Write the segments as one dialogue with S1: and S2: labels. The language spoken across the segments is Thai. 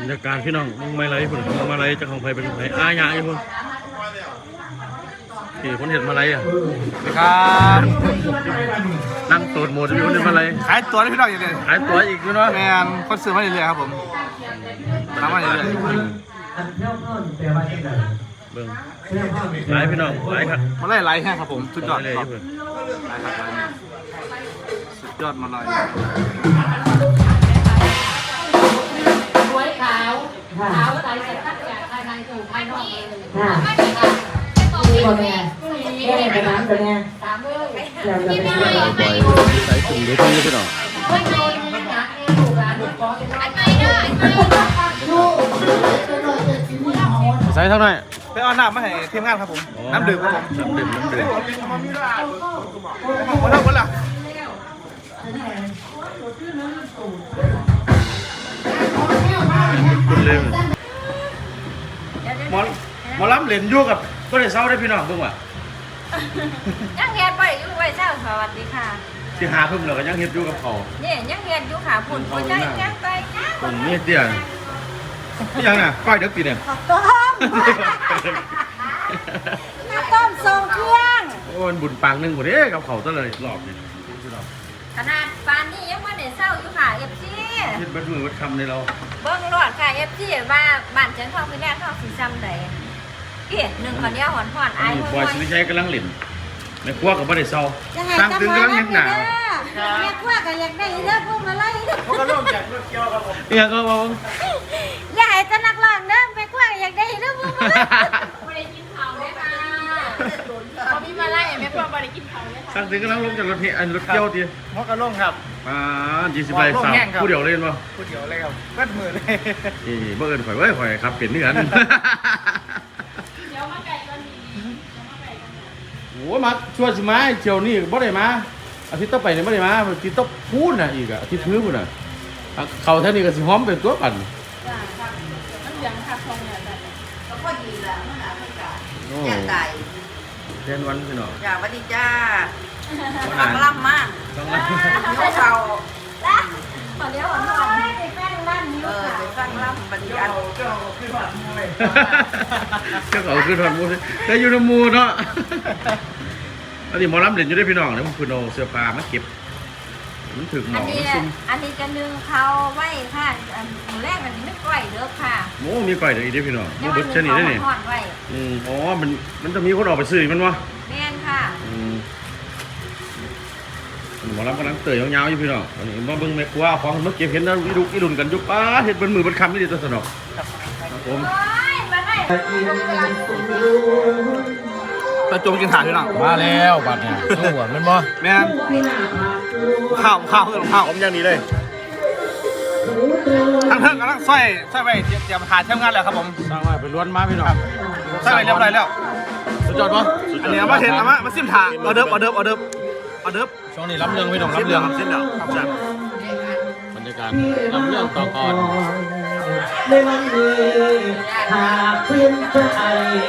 S1: รยากาศพี่น้องมึงไม่ไรพุ่นมึงมาไรจะของไฟเป็นไฟอาญาอยู่พุ่นที่คนเห็นมาไรอ่ะ
S2: ครับ
S1: นั่งตูดหมดมีคนเห็นมาไร
S2: ขายตัวให้พี่น้องอย่างเดียว
S1: ขายตัวอีกอยู่เนาะ
S2: แมนคนซื้อมาเรื่อยๆครับผมทำมาเรื่อยๆ
S1: เบิ่งหลายพี่น้องหลายครับ
S2: มาไล่ไล่แห้งครับผมสุดยอด
S1: เลย
S2: ครับไล่ครับไล่สุดยอดมาเลย
S3: สวยขาวขาวใสแต่ตั้งจากภายในสู่ภายนอกเลยนี่คนเนี่ยแก้กระน้ำตัวเนี่ยตามเลยพี่ไม่ให้
S1: ปล่อยใส่ถุงเดี๋ยวพี่น้อง
S3: ไม่โดนไม่หนักเนี่ยลูกหลานลูกขอเป็นอันไหนได้
S1: ใส่เท่าไหร่
S2: ไปเอาน้ำมาให้ทีมงานครับผมน้ำดื่มครับผม
S1: น้ำดื่ม
S2: คนละคนละ
S1: คุณเลยหมอลำเหรียญยั่วกับก็ได้เศร้าได้พี่น้องเพิ่งว่ะ
S4: ยังเรียนไปอยู่ไว้เจ้าสวัสดีค่ะ
S1: ที่หาเพิ่งเราก็ยังเฮ็ดยั่วกับเขา
S4: เนี่ยยังเรียนอยู่ค่ะผุ่นหัวใจยังไปยัง
S1: คนนี้เตี้ยนี่ยังน่ะก้อยเด็กตีเนี่ย
S4: ต้มทรงเครื่อง
S1: โอ้ยบุญปังหนึ่งหมดเด้กับเขาซะเลยหลอกเนี่ย
S4: ขนาดปานนี้ยังไม่ได้เศร้าอยู่ค่ะเอฟซี
S1: เฮ็ดบัดมือบัดคำในเรา
S4: เบิ้งรอดค่ะเอฟซีว่าบ้านเชียงทองคือแรกทองสีซ้ำใดเกี่ยหนึ่งคนเดียวหอนหอนไอ้
S1: บอยสุริชัยกำลังหลินในครัวกับบ่ได้เศร้าตั้งตึงกำลังเห็นหนา
S4: แม่ครัวก็อยากได้เรื่องพวกมาไล่
S2: พวกก็เริ่มจากรถเกี่ยวครับผม
S1: เนี่ยก็บอก
S4: อยากให้ตะนักร้องเด้อแม่ครัวอยากได้เรื่องพวกมาไล่ไม่ได้กินข้าวเลยค่ะพอพี่มาไล่แม่ครัวไม่ได้กินข้าวเลยค่ะ
S1: ตั้งตึงกำลังลงจากรถเกี่ยวที
S2: พวกก็ล่มครับ
S1: 20ใบสาวผู้เดียวเล่นป่ะ
S2: ผู้เดียวเลยครับเปิดมือเลย
S1: บ่เอิ้นข่อยเว้ยข่อยครับเป็นเนื้อโอ้มาช่วยสิมาเที่ยวนี้บ่ได้มาอาทิตย์ต่อไปนี่บ่ได้มาอาทิตย์ต่อพูนน่ะอีกอ่ะอาทิตย์พื้นพุ่นน่ะเข้าแถวนี้ก็สิหอมเป็นตัวปั่น
S4: จ้าครับมันยังคักทองเนี่ยก็พอดีละมันอาจจะแย่ตาย
S1: แทนวันพี่น้อง
S4: จ้าสวัสดีจ้าฟังล่ำมาก
S1: ฟังล่ำ
S4: นิ้วเข่าละตอนเดียวหอนไปแป้งล่ำนิ้วไปฟังล่ำบันยัน
S1: เจ้าขึ้นหอดมูเลยเจ้าขึ้นหอดมูเลยได้อยู่ในมูเนาะอันนี้หมอลำเด่นอยู่ได้พี่น้องเนี่ยมันคือเอาเสื้อผ้ามาเก็บมันถึงหมอ
S4: อันนี้จะนึ่งเขาไว้ค่ะหมูแรกอันนี้ไม่ก่อยเด้อค่ะ
S1: โอ้มีก่อยเด้ออีเด้พี่น้องมีเบิร์ดเชนี่ได้นี่อ๋อมันจะมีคนออกไปซื้อมันวะ
S4: แม่นค่ะ
S1: หมอลำกำลังเตยยาวๆอยู่พี่น้องอันนี้มาเบิ่งแม่ครัวของเมื่อกี้เห็นแล้วอีดุนกันยุบเห็ดเป็นมือเป็นคำไม่ดีตัวสนอกครับผม
S2: ตะจงกินถ่านพี่น้อง
S1: มาแล้วบัดเนี่ยหัวมันบ่
S2: แม่ข้าวผมอย่างนี้เลยทั้งเทิงกำลังใส่ไว้เตรียมถ่ายเที่ยวงานแล้วครับผม
S1: สร้างไว้เป็นล้วนมาพี่น้อง
S2: ใส่ไว้เรียบร้อยแล้ว
S1: สุดยอดป่ะ
S2: อันนี้มาเห็นมาซิมถ่ายเอาเดิบ
S1: ช่วงนี้รับเรื่องพี่น้องรับเรื่อง
S2: ครับซิมแล้วครับจ้ะ
S1: บรรยากาศรับเรื่องต่อก่อน
S3: ในวันนี้หากเพื่อนใจ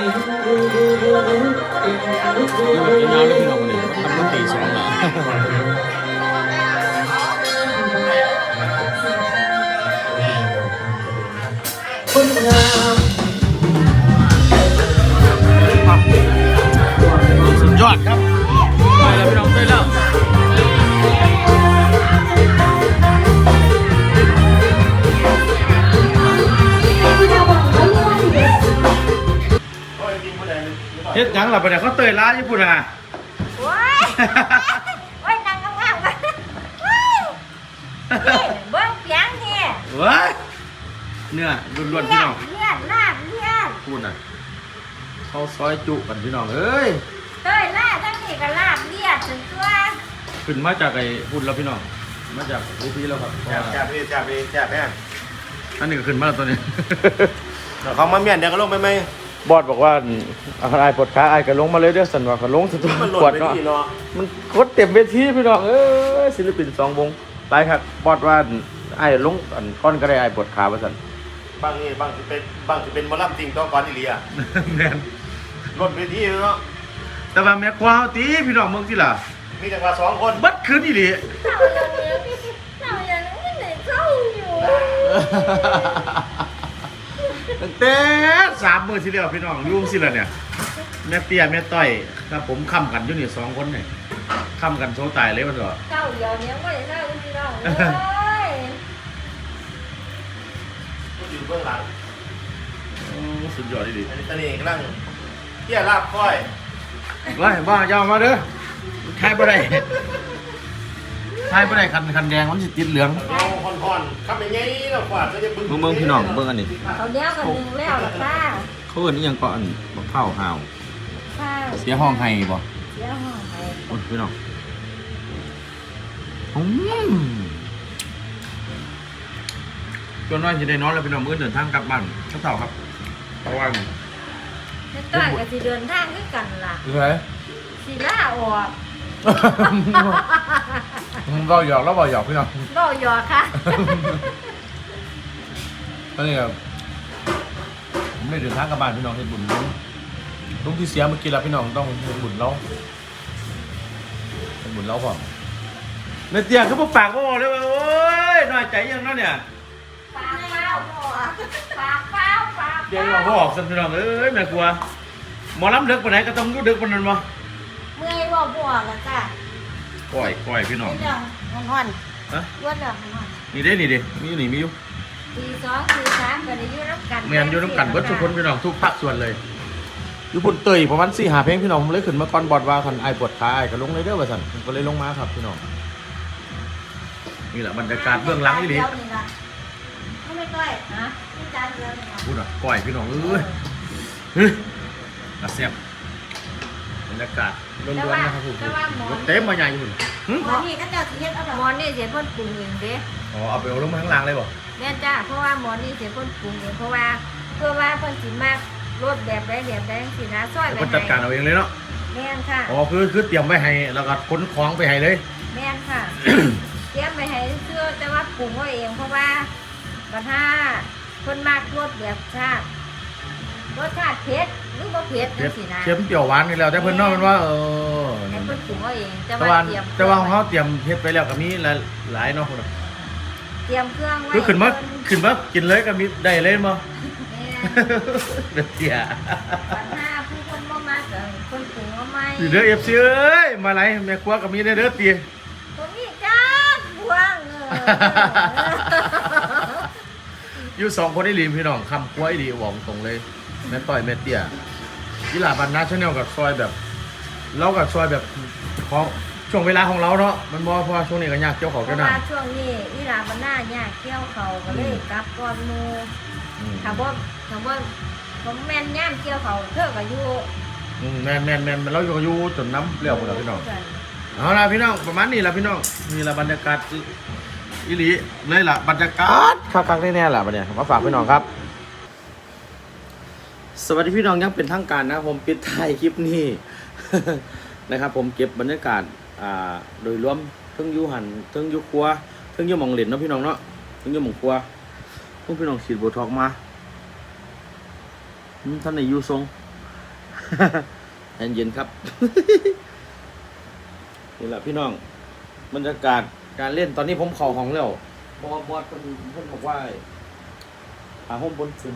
S1: กินน้ำแล้วพี่น้องคนนี้ทำตั้งตี2อ่ะ
S3: คนงาม
S1: สุดยอดครับไปแล้วพี่น้องไปแล้วเฮ็ดยังล่ะประเดี๋ยวเขาเตยล้าญี่ปุ่นอ่ะ
S4: ว้ายนางงามๆกันเบิ้งเสียงเนี่ย
S1: ว้ายเนื้อล้วนๆพี่น้อง
S4: เลือดลาดเลือด
S1: พูดน่ะเขาซอยจุกันพี่น้องเอ้ย
S4: เต้ยลาดทั้งนี้ก็ลาดเลือดถึงตัว
S1: ขึ้นมาจากไอ้พุ่นแล้วพี่น้องมาจากรูพีแล้วครับ
S2: จับแม่
S1: อันนี้ก็ขึ้นมาแล้วตัวนี้
S2: เขามาเมียนเดี๋ยวก็ลงไปไหม
S1: บอดบอกว่าไอ้ปวดขาไอ้ก็ลงมาเลยเด้อสันว่าก็ลงสุดตัวปวดเนาะมันโคตรเต็มเวทีพี่น้องศิลปิน2 วงไปครับบอดว่าไอ้ลงก้อนก็ได้ไอ้ปวดขาว่าสัน
S2: บางจะเป็นมอลล์จริงต้องก่อนอีเลีย
S1: แม่น
S2: รถเวทีเนาะ
S1: แต่ว่าแม่ควาวตีพี่น้องเมืองที่ล่ะ
S2: มีแต่ว่า2 คน
S1: บัดคืนอีหลี
S4: เรายังไม่ได้เข้าอยู่
S1: ตั้งแต่3 มื้อที่แล้วพี่น้องยุ่งสิล่ะเนี่ยแม่เตี้ยแม่ต้อยครับผมค้ำกันอยู่นี่2 คนนี่ค้ำกันโซตายเลยว่าเถอะ
S3: เจ้าเดียวเนี้ยไม่ได้เล่าพี่น้องเลย
S2: ก็อยู่เบื้องหลัง
S1: สุดยอดดี
S2: อันนี้ตะเลกนั่งเที่ยลาบก้อย
S1: ว่าบ้าอย่ามาเด้อทายบ่ได้ทายบ่ได้คันแดงมันสิติดเหลือง
S2: เอาห่อนๆทำอย่างงี้แล้วกว่าจะได้บึ้ง
S1: เบิ่งพี่น้องเบิ่งอันนี้
S3: เขาเนี้ยกันหนึ่งแล้วหรอป้า
S1: เขาเอิ้นอีหยังก็อันบักข้าวหาว
S3: ป้า
S1: เสียห้องให้บ่
S3: เสียห้องไป
S1: โอ้ยพี่น้องจนว่าจะได้นอนแล้วพี่น้องมื้อเดินทางกลับบ้านเช้าครับเพราะว่า
S3: ไม่ต้อยกับสิเดินทางด้วยกันล่ะ
S1: คือไง
S3: สิล่าออก
S1: เราหยอกเราบอกหยอกพี่น้อง
S3: ก็หยอกค่ะ
S1: ก็นี่ครับผมได้เดินทางกลับบ้านพี่น้องเฮ็ดบุญลุงที่เสียเมื่อกี้แล้วพี่น้องต้องเฮ็ดบุญเราเฮ็ดบุญเราพร้อมในเตียงเขาบอกปากเขาบอกเลยว่าโอ๊ยน้อยใจยังนั่นเนี่ย
S3: ปากเปล่าปากเปล่าปาก
S1: เดี๋ยวเราบอกสันพี่น้องเอ้ยแม่กลัวหมอลำเด็กปานไหนก็ต้องรู้เด็กปานนั้นบ่
S3: เมื่อยบ่บวกแล้วจ้ะ
S1: ก้อยพี่น้อง
S3: เรื่องห่อน
S1: ฮะ
S3: ๆว่าเรื่องห่อน
S1: นี่เด้นี่เด้มีอยู่นี่มีอยู่
S3: ตี2ตี3ก็ได้อยู่รับกัน
S1: แม่นอยู่น้ำกันเบิดทุกคนพี่น้องทุกภาคส่วนเลยอยู่พุ่นเตยประมาณ4-5เพลงพี่น้องผมเลยขึ้นมาก่อนบอดว่าคันไอ้ปวดขาไอ้ก็ลงเลยเด้อว่าซั่นผมก็เลยลงมาครับพี่น้องนี่แหละบรรยากาศเบื้องหลังนี่ดิ
S3: ไม่ต้อยนะนี่จานเดียวนี่นะ
S1: พูดอ่ะก้อยพี่น้องเอ้ยเฮ้ยกระเสียบบรรยากาศล้วนๆนะครับผมรถเต็มมาใหญ่อยู่หึ
S3: หมอนี่ก็เจ้าสิเฮ็ดเอาหมอนี่เสียพ่นปรุงเองเด้
S1: อ๋อเอาไปเอาลงมาข้างล่างเลยบ่
S3: แม่นจ้าเพราะว่าหมอนี่เสียพ่นปรุงเองเพราะว่าเพื่อว่าเพิ่นสิมากรสแบบใดจังซี่นะซอย
S1: เดี๋ยว
S3: แบบ
S1: คนจัดการเอาเองเลยเนาะ
S3: แม่นค่ะ
S1: อ๋อคือเตรียมไว้ให้แล้วก็ขนของไปให้เลย
S3: แม่นค่ะ เตรียมไปให้เชื่อแต่ว่าปรุงเอาเองเพราะว่าบัดถ้าเพิ่นมากรสแบบชาติรสชาติเผ็ดหรือบ่เผ็ดจังซี่นะ
S1: เค็มเปรี้ยวหวานนี่แล้วแต่เพิ่นเนาะมันว่า
S3: ให้เพิ่นปรุงเอาเองแต่
S1: แต่
S3: ว่า
S1: ว่า
S3: เตรียม
S1: แต่ว่าของเขาเตรียมเฮ็ดไปแล้วก็มีหลายเนาะพุ่นน่ะ
S3: เตรียมเครื่องไว้
S1: คือขึ้นมากินเลยก็มีได้เลยบ่
S3: แม่น
S1: เด็ดเตี้ย
S3: ปัญหาผู้คนบ่มากเกินคนปรุงเอาไหม
S1: อยู่เด้อ FC เอ้ยมาไหลแม่ครัวก็มีได้เด้อเตี้ย
S3: ผมมีจ้าบวง
S1: อยู่2คนได้ลีมพี่น้องคำครัวอีดีหวองตรงเลยแม่ต้อยแม่เตี้ยยีหลาบันนาชาแนลกับซอยแบบเรากับซอยแบบของช่วงเวลาของเราเนาะมันบ่เพราะว่าช่วงนี้ก็ยากเกี่ยวของ
S3: เพ
S1: กัน
S3: ราะ
S1: นะ
S3: ว่าช่วงนี้อีหลามันหน้ายากเที่ยวเขาก็เลยกลับก่อนหมู่
S1: อืม
S3: ถ้าบ่ผมแม่นย่ามเที่ยวเขาเธอก็อยู่
S1: แม่นเราอยู่จนน้ำเปรี้ยวหมดแล้วพี่น้องเอาล่ะพี่น้องประมาณนี้ล่ะพี่น้องนี่ล่ะบรรยากาศอีหลีเลยล่ะบรรยากาศคักๆแน่ๆล่ะบัดเนี่ยมาฝากพี่น้องครับ สวัสดีพี่น้องยังเป็นทางการนะผมปิดท้ายคลิปนี้ นะครับผมเก็บบรรยากาศโดยรวมทั้งยูหันทั้งยูครัวทั้งยูหมองเหรียญเนาะพี่น้องเนาะทั้งยูหมองครัวพวกพี่น้องฉีดโบท็อกมาท่านในยูทรง เย็นๆครับ นี่แหละพี่น้องบรรยากาศการเล่นตอนนี้ผมเข่าห้องแล้วบอสเพิ่นบอกว่าหาห้องบนซึม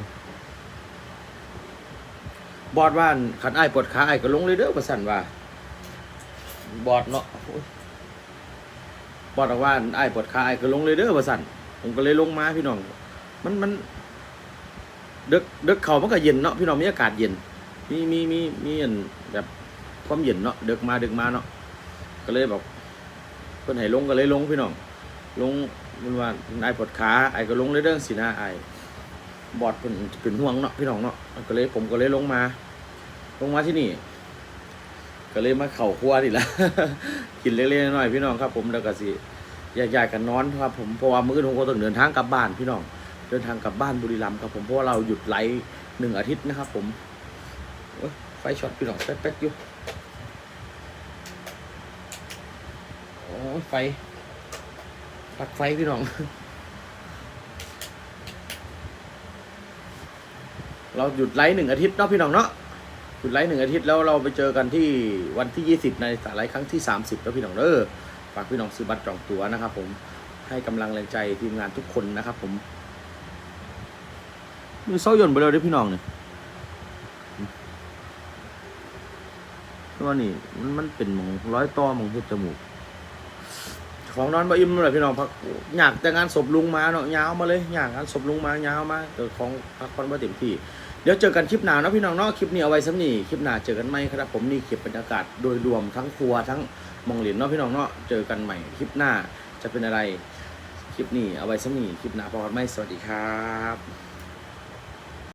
S1: บอสว่าขันไอ้ายปวดขาไอ้ายก็ลงเลยเด้อประสันว่าบอสเนาะบอสบอกว่าไอ้ายปวดขาไอ้ายก็ลงเลยเด้อประสันผมก็เลยลงมาพี่น้องมันดึกเขามันก็เย็นเนาะพี่น้องมีอากาศเย็นมีอันแบบความเย็นเนาะดึกมาเนาะก็เลยบอกเพิ่นให้ลงก็เลยลงพี่น้องลงมันว่าไอ้ายปวดขาไอ้ายก็ลงเลยเด้อสินะไอ้ายบอสเป็นห่วงเนาะพี่น้องเนาะก็เลยผมก็เลยลงมาที่นี่ก็เลยมาเข่าครัวนี่แหละ กินเล็กๆน้อยๆพี่น้องครับผมแล้วก็สิแยกๆกันนอนครับผมเพราะว่ามื้อนี้ผมก็ต้องเดินทางกลับบ้านพี่น้องเดินทางกลับบ้านบุรีรัมย์ครับผมเพราะว่าเราหยุดไลฟ์1 อาทิตย์นะครับผมไฟช็อตพี่น้องแป๊กๆอยู่โอ้ยไฟปักไฟพี่น้อง เราหยุดไลฟ์1 อาทิตย์เนาะพี่น้องเนาะหยุดไลฟ์1 อาทิตย์แล้วเราไปเจอกันที่วันที่20ในสายไลฟ์ครั้งที่30แล้วพี่น้องฝากพี่น้องซื้อบัตรจองตั๋วนะครับผมให้กำลังแรงใจทีมงานทุกคนนะครับผมมือเศร้าหย่นไปเลยเด้อพี่น้องเนี่ยเพราะว่านี่มันเป็นหมองร้อยต่อหมองเฮ็ดจมูกของนอนบ่อิ่มเลยพี่น้องพักอยากแต่งานศพลุงมาเนาะยาวมาเลยอยากงานศพลุงมายาวมาแต่ของพักผ่อนบ่เต็มที่เดี๋ยวเจอกันคลิปหน้าเนาะพี่น้องเนาะคลิปนี้เอาไว้ซ้ำนี่คลิปหน้าเจอกันใหม่ครับผมนี่คลิปบรรยากาศโดยรวมทั้งครัวทั้งมองเหรียญเนาะพี่น้องเนาะเจอกันใหม่คลิปหน้าจะเป็นอะไรคลิปนี้เอาไว้ซ้ำนี่คลิปหน้าพอกันไหมสวัสดีครับ